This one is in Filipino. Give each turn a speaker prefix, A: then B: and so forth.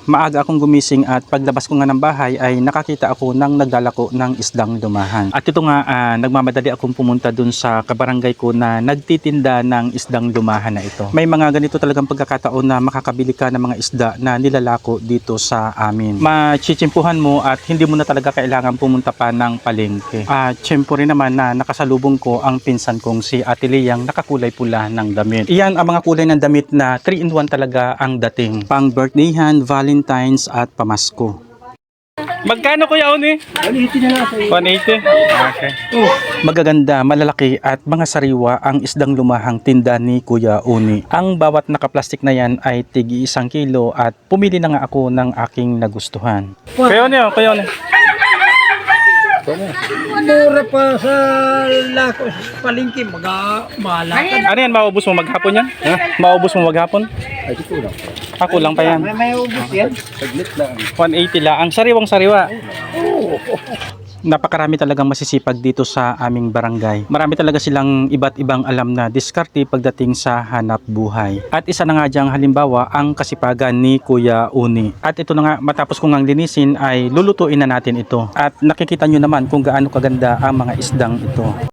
A: maaga akong gumising at paglabas ko nga ng bahay ay nakakita ako ng naglalako ng isdang lumahan. At ito nga, nagmamadali akong pumunta dun sa kabarangay ko na nagtitinda ng isdang lumahan na ito. May mga ganito talagang pagkakataon na makakabili ka ng mga isda na nilalako dito sa amin. Machichimpuhan mo at hindi mo na talaga kailangan pumunta pa ng palengke. At syempre naman na nakasalubong ko ang pinsan kong si Ate Leyang nakakulay pula ng damit. Iyan ang mga kulay ng damit na 3-in-1 talaga ang dating. Pang birthdayhan, Valentine's at pamasko. Magkano kuya Oni?
B: 180 na lang sa
A: 180. Okay. Magaganda, malalaki at mga sariwa ang isdang lumahang tinda ni Kuya Oni. Ang bawat nakaplastik na yan ay tigi 1 kilo at pumili na nga ako ng aking nagustuhan. Kuya Oni, Kuya Oni.
B: mura pa sa lako sa palengke, malakan.
A: Ano yan, maubos mo maghapon yan? Maubos mo maghapon?
B: Ay, di ko lang.
A: Ako lang pa yan.
B: May ubos yan. Saglit lang.
A: 180 lang. Ang sariwang sariwa. Napakarami talagang masisipag dito sa aming barangay. Marami talaga silang iba't ibang alam na diskarte pagdating sa hanap buhay. At isa na nga diyang halimbawa ang kasipagan ni Kuya Uni. At ito na nga, matapos kong ang linisin ay lulutuin na natin ito. At nakikita nyo naman kung gaano kaganda ang mga isdang ito.